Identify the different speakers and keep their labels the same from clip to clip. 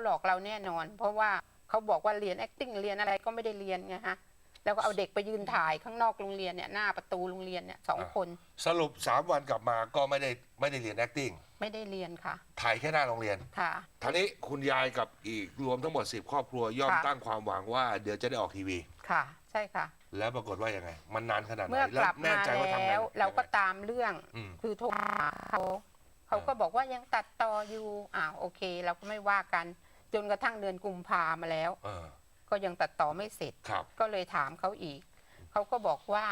Speaker 1: หลอกเราแน่นอน เพราะว่าเขาบอกว่าเรียน acting เรียนอะไรก็ไม่ได้เรียนไงฮะแล้วก็เอาเด็กไปยืนถ่ายข้างนอกโรงเรียนเนี่ยหน้าประตูโรงเรียนเนี่ย2 คน
Speaker 2: สรุป3 วันกลับมาก็ไม่ได้เรียน acting
Speaker 1: ไม่ได้เรียนค่ะ
Speaker 2: ถ่ายแค่หน้าโรงเรียน
Speaker 1: ค่ะ
Speaker 2: ทีนี้คุณยายกับอีกรวมทั้งหมด10 ครอบครัวย่อมตั้งความหวังว่าเดี๋ยวจะได้ออกทีวี
Speaker 1: ค่ะใช่ค่ะ
Speaker 2: แล้วปรากฏว่ายังไงมันนานขนาดไหน
Speaker 1: เมื่อกลับมาแล้วเราก็ตามเรื่องคือโทรหาเขาก็บอกว่ายังตัดต่ออยู่โอเคเราก็ไม่ว่ากันจนกระทั่งเดือนกุมภามาแล้วก็ยังตัดต่อไม่เสร็จก็เลยถามเขาอีกเขาก็บอกว่า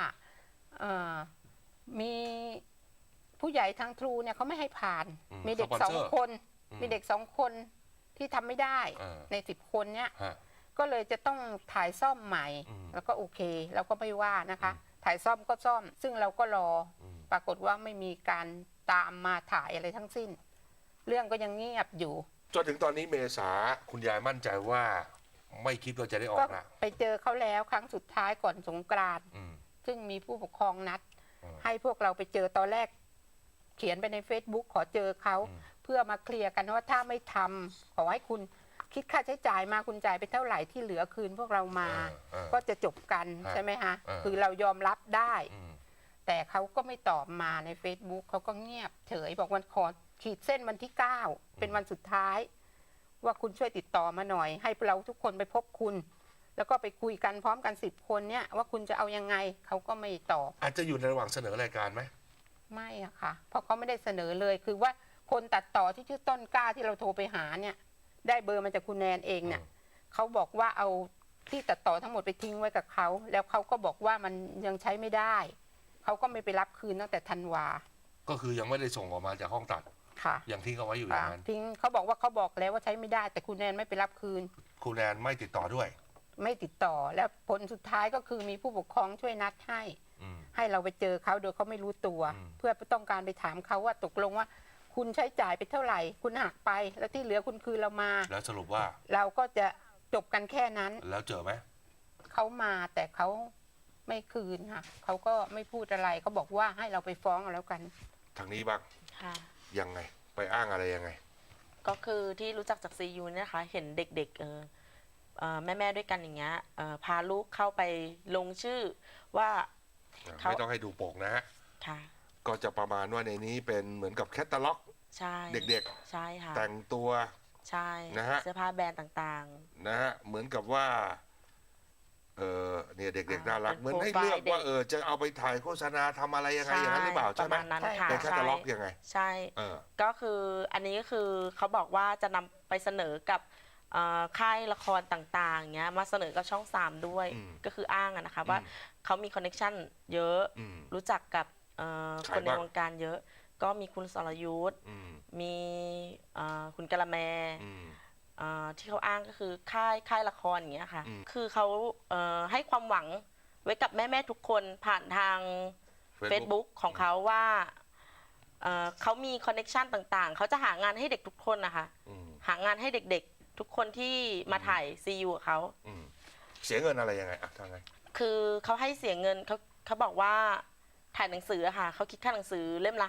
Speaker 1: มีผู้ใหญ่ทางทรูเนี่ยเขาไม่ให้ผ่านมีเด็ก2 คนมีเด็ก2 คนที่ทำไม่ได้ใน10 คนเนี่ยก็เลยจะต้องถ่ายซ่อมใหม่แล้วก็โอเคเราก็ไม่ว่านะคะถ่ายซ่อมก็ซ่อมซึ่งเราก็รอปรากฏว่าไม่มีการตามมาถ่ายอะไรทั้งสิ้นเรื่องก็ยังเงียบอยู่
Speaker 2: จนถึงตอนนี้เมษาคุณยายมั่นใจว่าไม่คิดว่าจะได้ออกนะ
Speaker 1: ไปเจอเขาแล้วครั้งสุดท้ายก่อนสงกรานต์ซึ่งมีผู้ปกครองนัดให้พวกเราไปเจอตอนแรกเขียนไปใน Facebook ขอเจอเขาเพื่อมาเคลียร์กันว่าถ้าไม่ทำขอให้คุณคิดค่าใช้จ่ายมาคุณจ่ายไปเท่าไหร่ที่เหลือคืนพวกเรามาก็จะจบกันใช่ไหมฮะคือเรายอมรับได้แต่เขาก็ไม่ตอบมาใน Facebook เขาก็เงียบเฉยบอกวันขอขีดเส้นวันที่9เป็นวันสุดท้ายว่าคุณช่วยติดต่อมาหน่อยให้เราทุกคนไปพบคุณแล้วก็ไปคุยกันพร้อมกัน10 คนเนี่ยว่าคุณจะเอายังไงเขาก็ไม่ตอบ
Speaker 2: อาจจะอยู่ในระหว่างเสนอรายการไหม
Speaker 1: ไม่อะค่ะเพราะเขาไม่ได้เสนอเลยคือว่าคนตัดต่อที่ชื่อต้นกล้าที่เราโทรไปหาเนี่ยได้เบอร์มาจากคุณแนนเองเนี่ยเขาบอกว่าเอาที่ตัดต่อทั้งหมดไปทิ้งไว้กับเขาแล้วเขาก็บอกว่ามันยังใช้ไม่ได้เขาก็ไม่ไปรับคืนตั้งแต่ธันวา
Speaker 2: ก็คือยังไม่ได้ส่งออกมาจากห้องตัด
Speaker 1: ค่ะ
Speaker 2: ยังทิ้งเอาไว้อยู่อย่างนั้น
Speaker 1: ทิ้งเขาบอกว่าเขาบอกแล้วว่าใช้ไม่ได้แต่คุณแนนไม่ไปรับคืน
Speaker 2: คุณแนนไม่ติดต่อด้วย
Speaker 1: ไม่ติดต่อแล้วผลสุดท้ายก็คือมีผู้ปกครองช่วยนัดให้เราไปเจอเขาโดยเขาไม่รู้ตัวเพื่อต้องการไปถามเขาว่าตกลงว่าคุณใช้จ่ายไปเท่าไหร่คุณหักไปแล้วที่เหลือคุณคืนเรามา
Speaker 2: แล้วสรุปว่า
Speaker 1: เราก็จะจบกันแค่นั้น
Speaker 2: แล้วเจอไหม
Speaker 1: เขามาแต่เขาไม่คืนค่ะเขาก็ไม่พูดอะไรเขาบอกว่าให้เราไปฟ้องเอาแล้วกัน
Speaker 2: ทางนี้บ้างยังไงไปอ้างอะไรยังไง
Speaker 3: ก็คือที่รู้จักจากซียูนะคะเห็นเด็กๆแม่ด้วยกันอย่างเงี้ยพาลูกเข้าไปลงชื่อว่า
Speaker 2: ไม่ต้องให้ดูปกนะฮะก็จะประมาณว่าในนี้เป็นเหมือนกับแคตตาล็อกเด็ก
Speaker 3: ๆใช่ค่ะ
Speaker 2: แต่งตัว
Speaker 3: ใช่
Speaker 2: นะฮะ
Speaker 3: เสื้อผ้าแบรนด์ต่าง
Speaker 2: ๆนะฮะเหมือนกับว่าเนี่ยเด็กๆน่ารักเหมือนให้เลือกว่าจะเอาไปถ่ายโฆษณาทำอะไรยังไงอย่างนั้นหรือเปล่าใช่ไหมเป็นแคตตาล็อกยังไง
Speaker 3: ใช่ก็คืออันนี้ก็คือเขาบอกว่าจะนำไปเสนอกับค่ายละครต่างๆเงี้ยมาเสนอกับช่อง3ด้วยก็คืออ้างนะคะว่าเขามีคอนเนคชั่นเยอะรู้จักกับคนในวงการเยอะก็มีคุณสรยุทธมีคุณกะละแมที่เขาอ้างก็คือค่ายละครอย่างเงี้ยค่ะคือเขาให้ความหวังไว้กับแม่ทุกคนผ่านทาง Facebook ของเขาว่าเขามีคอนเนคชั่นต่างๆเขาจะหางานให้เด็กทุกคนนะคะหางานให้เด็กๆทุกคนที่มาถ่ายซียูเขา
Speaker 2: เสียเงินอะไรยังไงทางไง
Speaker 3: คือเขาให้เสียเงินเขาบอกว่าถ่ายหนังสือค่ะเขาคิดค่าหนังสือเล่มละ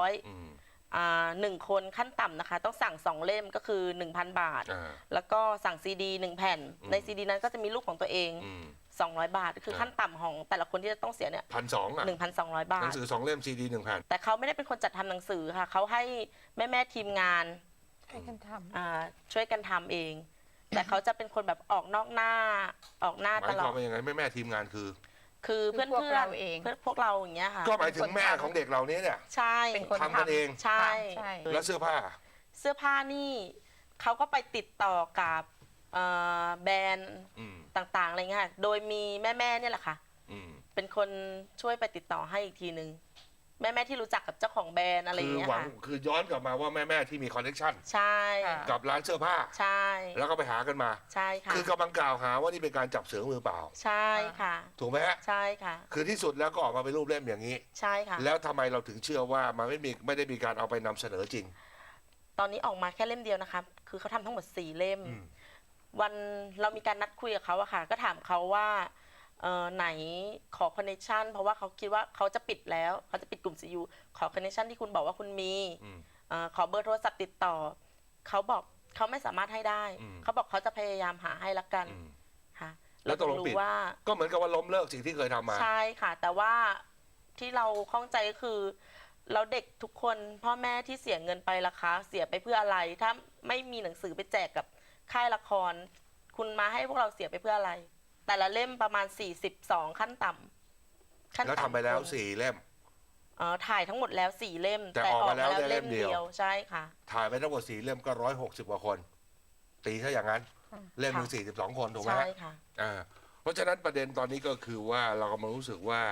Speaker 3: 500 1 คนขั้นต่ำนะคะต้องสั่ง2 เล่มก็คือ 1,000 บาทแล้วก็สั่งซีดี1 แผ่นในซีดีนั้นก็จะมีรูปของตัวเอง200 บาทคือขั้นต่ำของแต่ละคนที่จะต้องเสียเนี่ย1,200 บาท
Speaker 2: หนังสือ2 เล่มซีดี1 แผ่น
Speaker 3: แต่เขาไม่ได้เป็นคนจัดทำหนังสือค่ะเขาให้แม่ทีมงาน
Speaker 1: ช่วยกัน
Speaker 3: ทำเองแต่เขาจะเป็นคนแบบออกนอกหน้าตลอด
Speaker 2: หมายความว่ายังไงแม่ทีมงาน
Speaker 3: คือเพื่อนเองเพื่อนพวกเราอย่างเงี้ยค่ะ
Speaker 2: ก็หมายถึงแม่ของเด็กเรานี้เนี่ย
Speaker 3: ใช่
Speaker 2: ทำกันเอง
Speaker 3: ใช่
Speaker 2: แล้วเสื้อผ้า
Speaker 3: นี่เขาก็ไปติดต่อกับแบรนด์ต่างๆอะไรเงี้ยโดยมีแม่เนี่ยแหละค่ะเป็นคนช่วยไปติดต่อให้อีกทีนึงแม่ที่รู้จักกับเจ้าของแบรนด์อะไรอย่างเงี้ยค่ะ
Speaker 2: คือย้อนกลับมาว่าแม่ที่มีคอนเนคชั่น
Speaker 3: ใช่
Speaker 2: กับร้านเสื้อผ้า
Speaker 3: ใช่
Speaker 2: แล้วก็ไปหากันมา
Speaker 3: ใช่ค่ะ
Speaker 2: คือกำลังกล่าวหาว่านี่เป็นการจับเสือมือเปล่า
Speaker 3: ใช่ค่ะ
Speaker 2: ถูกไหมฮะ
Speaker 3: ใช่ค่ะ
Speaker 2: คือที่สุดแล้วก็ออกมาเป็นรูปเล่มอย่างนี้
Speaker 3: ใช่ค่ะ
Speaker 2: แล้วทำไมเราถึงเชื่อว่ามันไม่ได้มีการเอาไปนำเสนอจริง
Speaker 3: ตอนนี้ออกมาแค่เล่มเดียวนะคะคือเขาทำทั้งหมด4 เล่มวันเรามีการนัดคุยกับเขาอะค่ะก็ถามเขาว่าไหนขอคอนเนคชั่นเพราะว่าเขาคิดว่าเขาจะปิดแล้วเขาจะปิดกลุ่มซียูขอคอนเนคชั่นที่คุณบอกว่าคุณมีขอเบอร์โทรศัพท์ติดต่อเขาบอกเขาไม่สามารถให้ได้
Speaker 2: อืม
Speaker 3: เขาบอกเขาจะพยายามหาให้ละกัน
Speaker 2: อืม
Speaker 3: ค่ะ
Speaker 2: แล้วตกลง
Speaker 3: เรา
Speaker 2: ปิด
Speaker 3: รู้ว่า
Speaker 2: ก็เหมือนกับว่าล้มเลิกสิ่งที่เคยทำมา
Speaker 3: ใช่ค่ะ แต่ว่าที่เราข้องใจก็คือเราเด็กทุกคนพ่อแม่ที่เสียเงินไปราคาเสียไปเพื่ออะไร ถ้าไม่มีหนังสือไปแจกกับค่ายละคร คุณมาให้พวกเราเสียไปเพื่ออะไร แต่ละเล่มประมาณ42ขั้นต่ำขั้น
Speaker 2: แล้ว
Speaker 3: ต่ำ
Speaker 2: ทำไปแล้ว
Speaker 3: คน
Speaker 2: 4 เล่ม
Speaker 3: ถ่ายทั้งหมดแล้ว4เล่ม
Speaker 2: แต่ออกมาแล้วได้เล่มเดียว
Speaker 3: ใช่ค่ะ
Speaker 2: ถ่ายไปทั้งหมด4 เล่มก็160 กว่าคน ตีถ้าอย่างนั้น เล่มหนึ่ง42 คนถูกไหม
Speaker 3: ใช่
Speaker 2: ฮะ
Speaker 3: ค่ะ
Speaker 2: เพราะฉะนั้นประเด็นตอนนี้ก็คือว่าเรากำลังรู้สึกว่า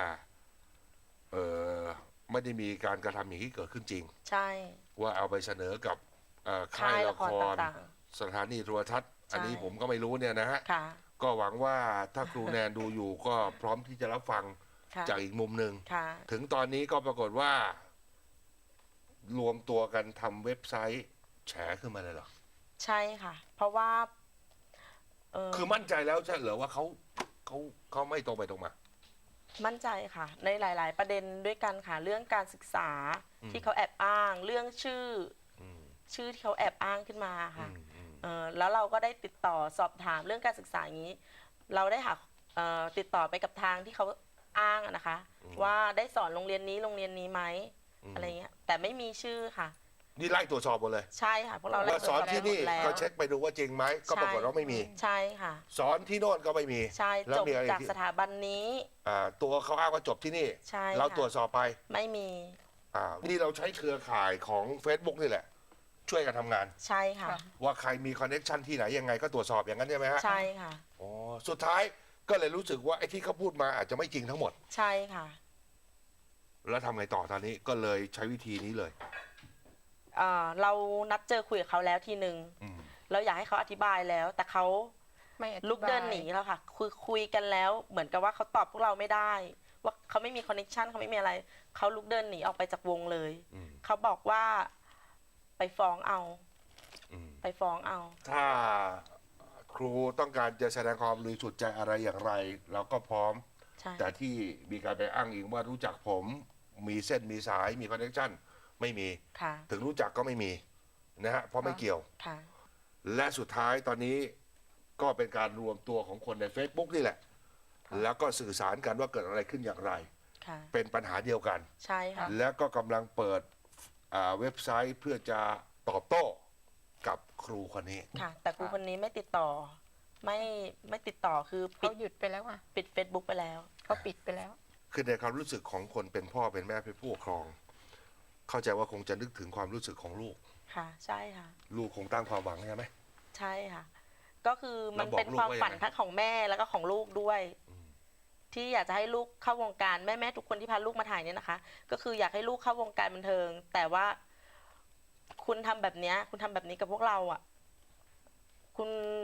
Speaker 2: ไม่ได้มีการกระทำอย่างที่เกิดขึ้นจริง
Speaker 3: ใช่
Speaker 2: ว่าเอาไปเสนอกับค่ายละคร
Speaker 3: ต่าง
Speaker 2: สถานีโทรทัศน์
Speaker 3: ใช่
Speaker 2: อันนี้ผมก็ไม่รู้เนี่ยนะฮะ
Speaker 3: ๆค่ะ
Speaker 2: ก็หวังว่าถ้าครูแนนดูอยู่ก็พร้อมที่จะรับฟัง
Speaker 3: ค่ะ
Speaker 2: จากอีกมุมหนึ่ง
Speaker 3: ค่ะ
Speaker 2: ถึงตอนนี้ก็ปรากฏว่า รวมตัวกันทำเว็บไซต์แฉขึ้นมาเลยเหรอ
Speaker 3: ใช่ค่ะ เพราะว่า
Speaker 2: คือมั่นใจแล้วใช่เหรอว่าเขาไม่ตรงไปตรงมา
Speaker 3: มั่นใจค่ะ ในหลาย ๆ ประเด็นด้วยกันค่ะ เรื่องการศึกษา
Speaker 2: อืม
Speaker 3: ที่เขาแอบอ้าง เรื่องชื่อ
Speaker 2: อืม
Speaker 3: ที่เขาแอบอ้างขึ้นมา
Speaker 2: อื
Speaker 3: ค่ะ
Speaker 2: มอืม
Speaker 3: แล้วเราก็ได้ติดต่อสอบถามเรื่องการศึกษาอย่างนี้ เราได้หาติดต่อไปกับทางที่เขาอ้างอะนะคะ ว่าได้สอนโรงเรียนนี้ไหมอะไรเงี้ยแต่ไม่มีชื่อค่ะ
Speaker 2: นี่ไล่ตรวจสอบหมดเลย
Speaker 3: ใช่ค่ะพวกเราไล่
Speaker 2: ว่าสอนที่นี่
Speaker 3: ตรวจสอบหมดแล้ว
Speaker 2: ก็เช็คไปดูว่าจริงไหมก็ปรากฏว่าไม่มี
Speaker 3: ใช่ค่ะ
Speaker 2: สอนที่โน่นก็ไม่มี
Speaker 3: ใช่
Speaker 2: แล้ว
Speaker 3: จบ
Speaker 2: มีอะไร
Speaker 3: จาก
Speaker 2: ที่
Speaker 3: สถาบันนี้
Speaker 2: ตัวเขาอ้างว่าจบที่นี่
Speaker 3: ใช่
Speaker 2: เรา
Speaker 3: ค่ะ
Speaker 2: ตรวจสอบไป
Speaker 3: ไม่มี
Speaker 2: นี่เราใช้เครือข่ายของ Facebook นี่แหละ ช่วยกันทำงาน
Speaker 3: ใช่ค่ะ
Speaker 2: ว่าใครมีคอนเนคชันที่ไหนยังไงก็ตรวจสอบอย่างนั้นใช่ไหมฮะ
Speaker 3: ใช่ค่ะ
Speaker 2: อ๋อสุดท้ายก็เลยรู้สึกว่าไอ้ที่เขาพูดมาอาจจะไม่จริงทั้งหมด
Speaker 3: ใช่ค่ะ
Speaker 2: แล้วทำไงต่อตอนนี้ก็เลยใช้วิธีนี้เลย
Speaker 3: เรานัดเจอคุยกับเขาแล้วทีหนึ่ง
Speaker 2: อืม
Speaker 3: เราอยากให้เขาอธิบายแล้ว แต่เขา
Speaker 1: ไม่อธิบาย
Speaker 3: ลุกเดินหนีแล้วค่ะคุยกันแล้ว เหมือนกับว่าเขาตอบพวกเราไม่ได้ ว่าเขาไม่มีคอนเนคชันเขาไม่มีอะไรเขาลุกเดินหนีออกไปจากวงเลย
Speaker 2: อืม
Speaker 3: เขาบอกว่าไปฟ้องเอา
Speaker 2: อืม
Speaker 3: ไปฟ้องเอา
Speaker 2: ถ้าครูต้องการจะแสดงความบริสุทธิ์ใจอะไรอย่างไร เราก็พร้อม
Speaker 3: ใช่
Speaker 2: แต่ที่มีการไปอ้างอิงว่ารู้จักผมมีเส้นมีสายมีคอนเนคชั่นไม่มี
Speaker 3: ค่ะ
Speaker 2: ถึงรู้จักก็ไม่มีนะฮะเพราะไม่เกี่ยว
Speaker 3: ค่ะ
Speaker 2: และสุดท้ายตอนนี้ก็เป็นการรวมตัวของคนใน Facebook นี่แหละ แล้วก็สื่อสารกันว่าเกิดอะไรขึ้นอย่างไร
Speaker 3: ค่ะ
Speaker 2: เป็นปัญหาเดียวกัน
Speaker 3: ใช่ค่ะ
Speaker 2: แล้วก็กำลังเปิดเว็บไซต์เพื่อจะตอบโต้กับครูคนนี้
Speaker 3: ค่ะ แต่ครูคนนี้ไม่ติดต่อ ไม่ติดต่อคือปิ
Speaker 1: เขา
Speaker 3: ด
Speaker 1: หยุดไปแล้วอ่ะ
Speaker 3: ปิด Facebook ไปแล้ว
Speaker 1: เขาปิดไปแล้ว
Speaker 2: คือในความรู้สึกของคนเป็นพ่อเป็นแม่เป็นผู้ปกครอง เข้าใจว่าคงจะนึกถึงความรู้สึกของลูก
Speaker 3: ค่ะ ใช่ค่ะ
Speaker 2: ลูกคงตั้งความหวังใช่ไหม
Speaker 3: ใช่ค่ะ ก็คือมัน
Speaker 2: แล้วบอก
Speaker 3: เป็น
Speaker 2: ลูก
Speaker 3: ความ
Speaker 2: ว่า
Speaker 3: ฝัน
Speaker 2: ยังไง
Speaker 3: ทั้งของแม่แล้วก็ของลูกด้วย ที่อยากจะให้ลูกเข้าวงการแม่ทุกคนที่พาลูกมาถ่ายเนี่ยนะคะ ก็คืออยากให้ลูกเข้าวงการบันเทิง แต่ว่า คุณทำแบบเนี้ยคุณทำแบบนี้กับพวกเราอ่ะ คุณ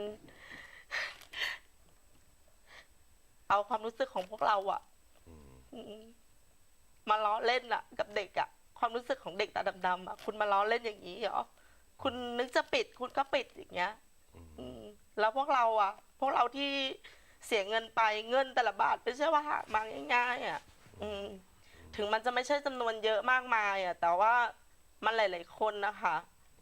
Speaker 3: เอาความรู้สึกของพวกเราอ่ะมาล้อเล่นอ่ะ กับเด็กอ่ะ ความรู้สึกของเด็กตาดำๆอ่ะคุณมาล้อเล่นอย่างนี้เหรอคุณนึกจะปิด คุณก็ปิดอย่างเงี้ย แล้วพวกเราอ่ะ พวกเราที่เสียเงินไปเงินแต่ละบาทไม่ใช่ว่าหามาง่ายๆอ่ะถึงมันจะไม่ใช่จำนวนเยอะมากมายอ่ะ แต่ว่ามันหลายๆคนนะคะ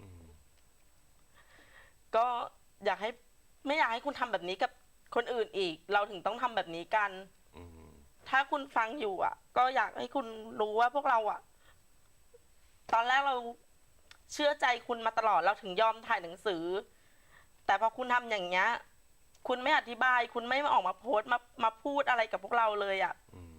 Speaker 3: ก็อยากให้ไม่อยากให้คุณทำแบบนี้กับคนอื่นอีก เราถึงต้องทำแบบนี้กันถ้าคุณฟังอยู่อ่ะ ก็อยากให้คุณรู้ว่าพวกเราอ่ะ ตอนแรกเราเชื่อใจคุณมาตลอดเราถึงยอมถ่ายหนังสือ แต่พอคุณทำอย่างเงี้ยคุณไม่อธิบาย คุณไม่มาออกมาโพสต์มาพูดอะไรกับพวกเราเลยอ่ะ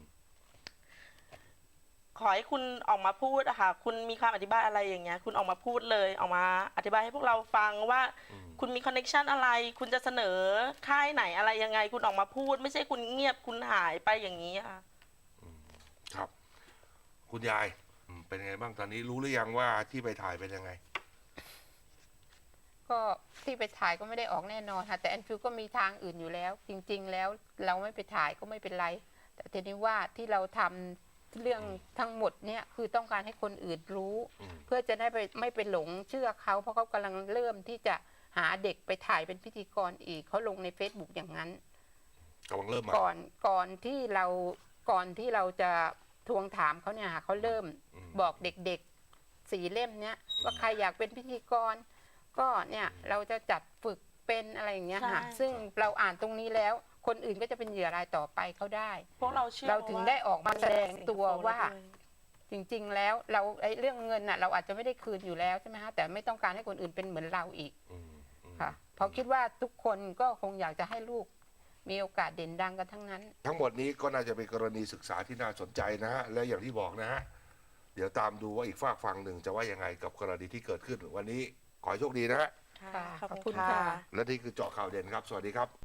Speaker 3: ขอให้คุณออกมาพูดอะค่ะคุณมีความอธิบายอะไรอย่างเงี้ยคุณออกมาพูดเลยออกมาอธิบายให้พวกเราฟังว่าคุณมีคอนเนคชันอะไร คุณจะเสนอค่ายไหนอะไรยังไง คุณออกมาพูด ไม่ใช่คุณเงียบคุณหายไปอย่างนี้ค่ะ
Speaker 2: ครับ คุณยายเป็นไงบ้างตอนนี้รู้หรือยังว่าที่ไปถ่ายเป็นยังไง
Speaker 1: ก็ที่ไปถ่ายก็ไม่ได้ออกแน่นอนค่ะแต่แอนฟิลก็มีทางอื่นอยู่แล้ว จริง ๆ แล้วเราไม่ไปถ่ายก็ไม่เป็นไร แต่ทีนี้ว่าที่เราทำเรื่องทั้งหมดเนี่ยคือต้องการให้คนอื่นรู้ เพื่อจะได้ไม่ไปหลงเชื่อเขาเพราะเขากำลังเริ่มที่จะหาเด็กไปถ่ายเป็นพิธีกรอีกเขาลงใน Facebook อย่างนั้น
Speaker 2: กำลังเริ่มมา
Speaker 1: ก่อนที่เราจะทวงถามเขาเนี่ยเขาเริ่มบอกเด็กๆ4 เล่มเนี้ยว่าใครอยากเป็นพิธีกรก็เนี่ยเราจะจัดฝึกเป็นอะไรอย่างเงี้ยค่ะ
Speaker 3: ใช่
Speaker 1: ซึ่งเราอ่านตรงนี้แล้ว คนอื่นก็จะเป็นเหยื่อรายต่อไปเขาได้
Speaker 3: พวกเราเชื่อ
Speaker 1: เราถึงได้ออกมาแสดงตัวว่า
Speaker 3: ด้วย
Speaker 1: จริงๆ แล้วเราเรื่องเงินน่ะเราอาจจะไม่ได้คืนอยู่แล้วใช่ไหมฮะแต่ไม่ต้องการให้คนอื่นเป็นเหมือนเราอีก
Speaker 2: อืม
Speaker 1: ค่ะเพราะคิดว่าทุกคนก็คงอยากจะให้ลูกมีโอกาสเด่นดังกันทั้งนั้น
Speaker 2: ทั้งหมดนี้ก็น่าจะเป็นกรณีศึกษาที่น่าสนใจนะฮะและอย่างที่บอกนะฮะเดี๋ยวตามดูว่าอีกฝากฝั่งหนึ่งจะว่ายังไงกับกรณีที่เกิดขึ้น วันนี้ขอให้โชคดีนะฮะ
Speaker 3: ค่ะ
Speaker 1: ขอบคุณ
Speaker 3: ค่ะ
Speaker 1: ค่ะ
Speaker 2: และนี่คือเจาะข่าวเด่นครับ สวัสดีครับ